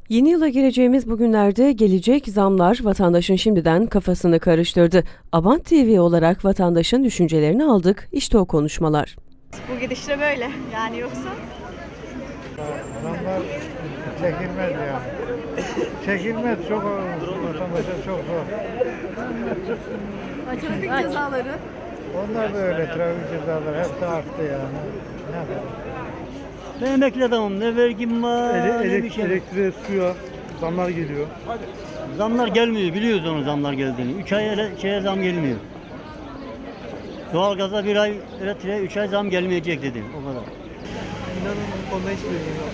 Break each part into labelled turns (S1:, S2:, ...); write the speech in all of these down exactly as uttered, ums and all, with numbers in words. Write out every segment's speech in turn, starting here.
S1: Yeni yıla gireceğimiz bu günlerde gelecek zamlar vatandaşın şimdiden kafasını karıştırdı. Abant T V olarak vatandaşın düşüncelerini aldık. İşte o konuşmalar.
S2: Bu gidişle böyle yani yoksa.
S3: Zamlar çekilmez yani. Çekilmez, çok vatandaşa çok zor.
S2: Trafik cezaları.
S3: Onlar da öyle, trafik cezaları hepsi arttı yani. Ne yapalım?
S4: Ben emekli adamım. Ne vergim var,
S5: Ele,
S4: ne
S5: elek,
S4: bir şey.
S5: elektriğe, suya zamlar geliyor.
S4: Zamlar gelmiyor. Biliyoruz onun zamlar geldiğini. Üç ay ele, şeye zam gelmiyor. Doğalgaza bir ay, elektriğe üç ay zam gelmeyecek dedim. O kadar.
S5: İnanın bu konuda hiç bilgim yok.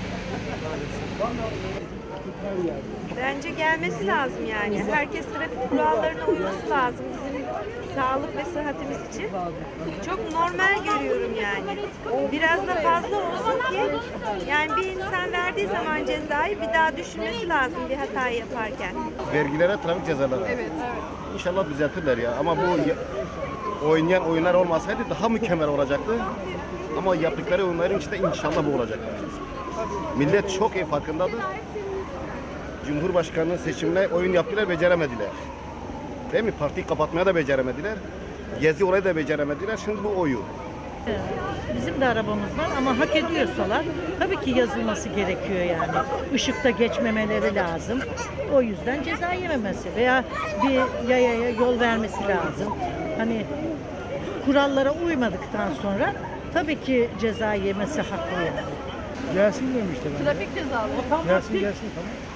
S2: Bence gelmesi lazım yani. Herkes trafik kurallarına uyması lazım bizim sağlık ve sıhhatimiz için. Çok normal görüyorum yani. Biraz da fazla olsun ki yani bir insan verdiği zaman cezayı bir daha düşünmesi lazım bir hata yaparken.
S6: Vergilere trafik cezaları. Evet, evet. İnşallah düzeltirler ya. Ama bu ya- oynayan oyunlar olmasaydı daha mükemmel olacaktı. Ama yaptıkları oyunların içinde inşallah bu olacak. Millet çok iyi farkındadır. Cumhurbaşkanı seçimine oyun yaptılar, beceremediler. Değil mi? Partiyi kapatmaya da beceremediler. Gezi olayı da beceremediler. Şimdi bu oyu.
S7: Bizim de arabamız var ama hak ediyorsalar tabii ki yazılması gerekiyor yani. Işıkta geçmemeleri lazım. O yüzden ceza yememesi veya bir yayaya yol vermesi lazım. Hani kurallara uymadıktan sonra tabii ki ceza yemesi haklı yani.
S5: Gelsin demişler.
S2: Trafik cezaları.
S5: Gelsin gelsin tamam.